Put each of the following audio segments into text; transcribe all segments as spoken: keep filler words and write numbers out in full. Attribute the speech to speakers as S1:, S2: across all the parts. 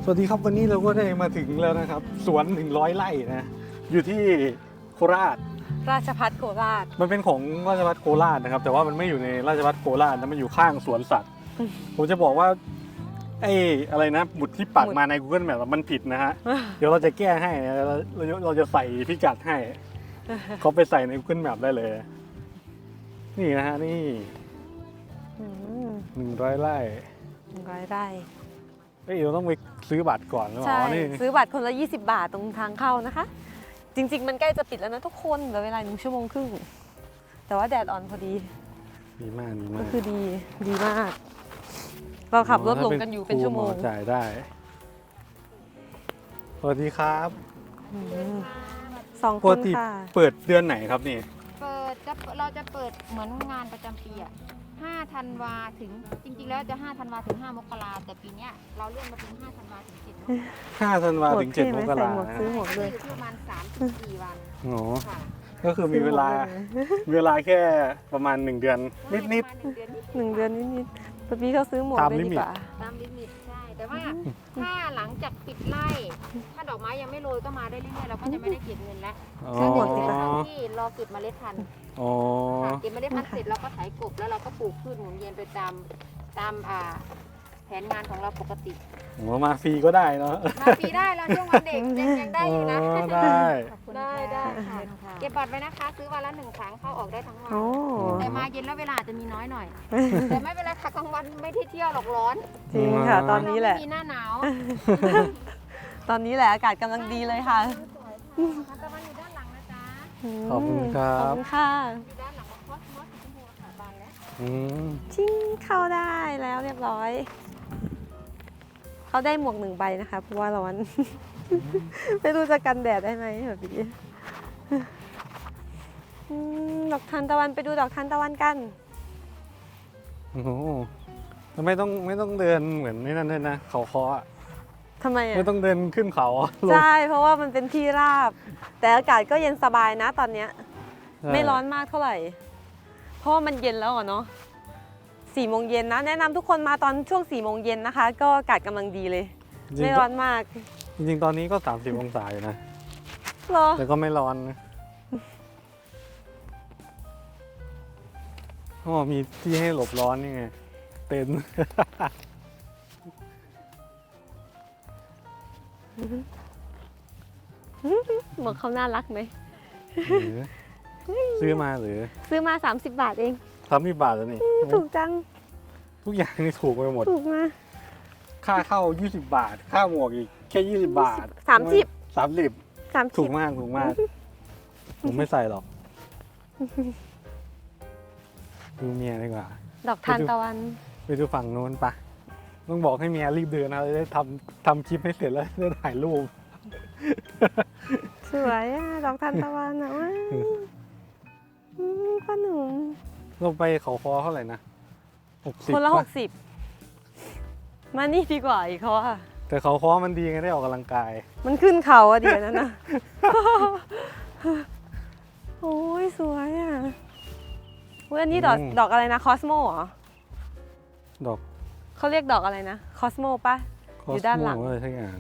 S1: วัสดีครับวันนี้เราก็ได้มาถึงแล้วนะครับสวนหนึ่งร้อยไร่นะอยู่ที่โคราช
S2: ราชภัฏโคราช
S1: มันเป็นของราชภัฏโคราชนะครับแต่ว่ามันไม่อยู่ในราชภัฏโคราชนะมันอยู่ข้างสวนสัตว์ผมจะบอกว่าไอ้อะไรนะหมุดที่ปักมาใน Google Map มันผิดนะฮะเดี๋ยวเราจะแก้ให้เราเราจะใส่พิกัดให้เขาไปใส่ใน Google Map ได้เลยนี่นะฮะนี่หนึ่งร้อยไร่
S2: หนึ่งร้อยไร่
S1: เฮ้ยเราต้องไปซื้อบัตรก่อนหรือเปล่า
S2: ใช่
S1: นี่
S2: ซื้อบัตรคนละยี่สิบบาทตรงทางเข้านะคะจริงๆมันใกล้จะปิดแล้วนะทุกคนเหลือเวลาหนึ่งชั่วโมงครึ่งแต่ว่าแดดอ่อนพอดี
S1: ดีมากดีมา
S2: ก็
S1: ก
S2: คือดีดีมากเราขับรถลงกันอยู่เป็นชั่วโมง
S1: จ่ายได้สวัสดีครับ
S2: สองคนค่ะ
S1: เปิดเดือนไหนครับนี่
S3: เปิดจะเราจะเปิดเหมือนงานประจำปีอ่ะห้าธันวาถึงจริงๆแล้วจะห้าธันวาถึงห้ามกราแต่ปีเนี้ยเราเลื่อนมาเป็นห้าธันวาถึงเจ็ดมกรา
S1: ห้าธันวาถึงเจ็ดมกรานะ
S2: ซื้อหมวกด้วย
S3: อยู่ที่ประมาณสามถึงสี่วัน
S1: โอ้ก็คือมีเวลาเวลาแค่ประมาณหนึ่งเดือนนิดนิด
S2: หนึ่งเดือนนิดนิดตอนนี้เขาซื้อหมวกได้ดีกว่า
S3: ตามลิมิตใช่แต่ว่าถ้าหลังจากปิดไร่ถ้าดอกไม้ยังไม่โรยก็มาได้เรื่อยๆเราก็จะไม่ได้เก็บเงินแล้ว
S2: ซื้อหมวกสิคะ
S3: ที่รอเก็บเมล็ดพันธุ์
S1: อ๋อ
S3: เก็บเมล็ดพันธุ์เสร็จเราก็ไถกบแล้วเราก็ปลูกพืชหมุนเวียนไปตามตามอ่าแผนงานของเราปกติ
S1: โอ้มาฟรีก็ได้เนาะ
S3: มาฟรีได้เราช่วงวันเด็กยังยังได้อยู่นะ
S1: ได้
S3: ได้ได้ค่ะเก็บบัตรไว้นะคะซื้อวันละหนึ่งครั้งเข้าออกได้ทั้งวันแต่มาเย็นแล้วเวลาจะมีน้อยหน่อยแต่ไม่เป็นไรค่ะกลางวันไม่ได้เที่ยวหรอกร้อน
S2: จริงค่ะตอนนี้แหละ
S3: มีหน้าหนาว
S2: ตอนนี้แหละอากาศกำลังดีเลยค่ะ
S3: ตะวันอยู่ด้านหลังนะจ๊ะ
S1: ขอบคุณครับ
S2: ขอบคุณค่ะ
S3: อยู่ด้านหลังของคอสมอสสีชมพูค่ะบานแล้ว
S2: ชิงเข้าได้แล้วเรียบร้อยเขาได้หมวกหนึ่งใบนะคะเพราะว่าร้อนไม่รู้จะกันแดดได้ไหมแบบนี้ดอกทานตะวันไปดูดอกทานตะวันกัน
S1: โอ้โหไม่ต้องไม่ต้องเดินเหมือนนี่นั่นเลยนะเขาคออ่ะ
S2: ทำไมอ่ะ
S1: ไม่ต้องเดินขึ้นเขา
S2: ใช่เพราะว่ามันเป็นที่ราบแต่อากาศก็เย็นสบายนะตอนเนี้ยไม่ร้อนมากเท่าไหร่เพราะว่ามันเย็นแล้วเนาะสี่โมงเย็นนะแนะนำทุกคนมาตอนช่วงสี่โมงเย็นนะคะก็อากาศกำลังดีเลยไม่ร้อนมาก
S1: จริงๆตอนนี้ก็สามสิบองศาอยู่นะ
S2: หรอ
S1: แต่ก็ไม่ร้อนนะอ๋อมีที่ให้หลบร้อนนี่ไงเต็นท์
S2: บอกเขาน่ารักไหม
S1: ซื้อมาหรือ
S2: ซื้อมาสามสิบบาทเอง
S1: สามสิบบาทแล้วนี่
S2: ถูกจัง
S1: ทุกอย่างนี่ถูกไปหมด
S2: ถูกมา
S1: ค่าเข้ายี่สิบบาทค่าหมวกอีกแค่ยี่สิบบาท
S2: สามสิบ
S1: สามสิบ
S2: สามสิบ
S1: ถูกมากถูกมากผมไม่ใส่หรอกดูเมียดีกว่า
S2: ดอกทานตะวัน
S1: ไปดูฝั่งโน้นปะต้องบอกให้เมียรีบเดินนะจะได้ทำทำคลิปให้เสร็จแล้วจะถ่ายรูป
S2: สวยอ่ะดอกทานตะวันอ่ะว้าวพ่อหนุ่ม
S1: เราไปเขาคอเท่าไหร่นะหกสิบ
S2: คนละหกสิบมานี่ดีกว่าอีกเขาอ่ะ
S1: แต่เขาคอมันดีไงได้ออกกำลังกาย
S2: มันขึ้นเขาอะเดี๋ยวนั้นนะโอ้ยสวยอ่ะอันนี้ดอกดอกอะไรนะคอสโมเหรอ
S1: ดอก
S2: เขาเรียกดอกอะไรนะคอสโมป่ะอยู่ด้านหลัง
S1: อะไรทั้งอย่าง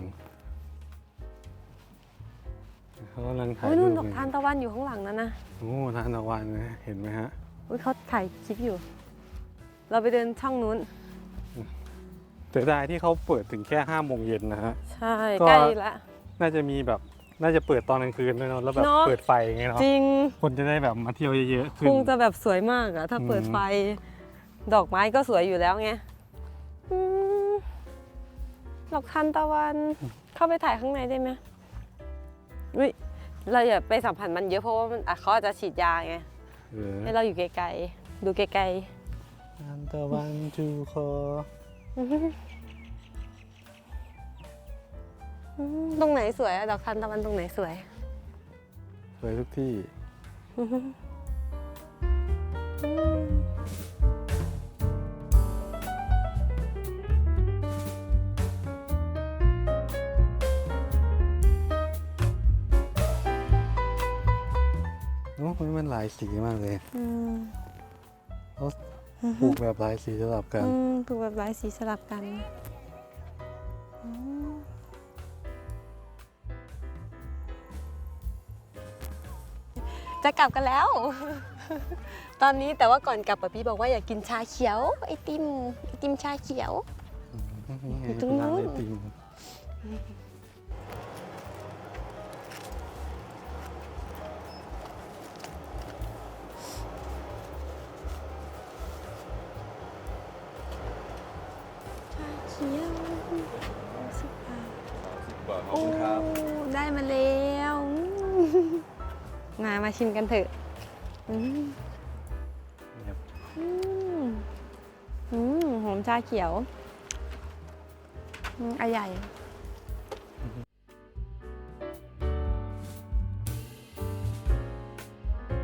S1: เขากำลังถ่าย
S2: รูปนู่นดอกทานตะวันอยู่ข้างหลังนั่นนะ
S1: โอ้ทานตะวันเห็นไหมฮะ
S2: อุ้ยเขาถ่ายคลิปอยู่เราไปเดินช่องนู้น
S1: เสียดายที่เขาเปิดถึงแค่ห้าโมงเย็นนะฮะ
S2: ใช่ใกล้ละ
S1: น่าจะมีแบบน่าจะเปิดตอนกลางคืนด้วยเนาะแล้วแบบเปิดไฟไงเนาะ
S2: จริง
S1: คนจะได้แบบมาเที่ยวเยอะๆขึ้น
S2: คงจะแบบสวยมากอะถ้าเปิดไฟดอกไม้ก็สวยอยู่แล้วไงดอกทานตะวันเข้าไปถ่ายข้างในได้ไหมอุ้ยเราอย่าไปสัมผัสมันเยอะเพราะว่ามันเขาอาจจะฉีดยาไงให้เราอยู่ไกลๆดูไกล
S1: ๆทานตะวันจูคอ
S2: ตรงไหนสวยอะดอกทานตะวันตรงไหนสวย
S1: สวยทุกที่โอ้ยมันหลายสีมากเลยเขาปลูกแบบหลายสีสลับกัน
S2: ปลูกแบบหลายสีสลับกันจะกลับกันแล้ว ตอนนี้แต่ว่าก่อนกลับอะพี่บอกว่าอยากกินชาเขียวไอติมไอติมชาเขียว อยู่ตรงนู้น
S1: ร้าไอติม
S2: ชาเขียวสิบบาท
S4: สิบบาทขอบ
S2: โอ้
S4: คุณครับ
S2: ได้มาแล้วมามาชิมกันเถอะอืม
S1: ครับ
S2: อืมอืมหอมชาเขียวอืมอะใหญ่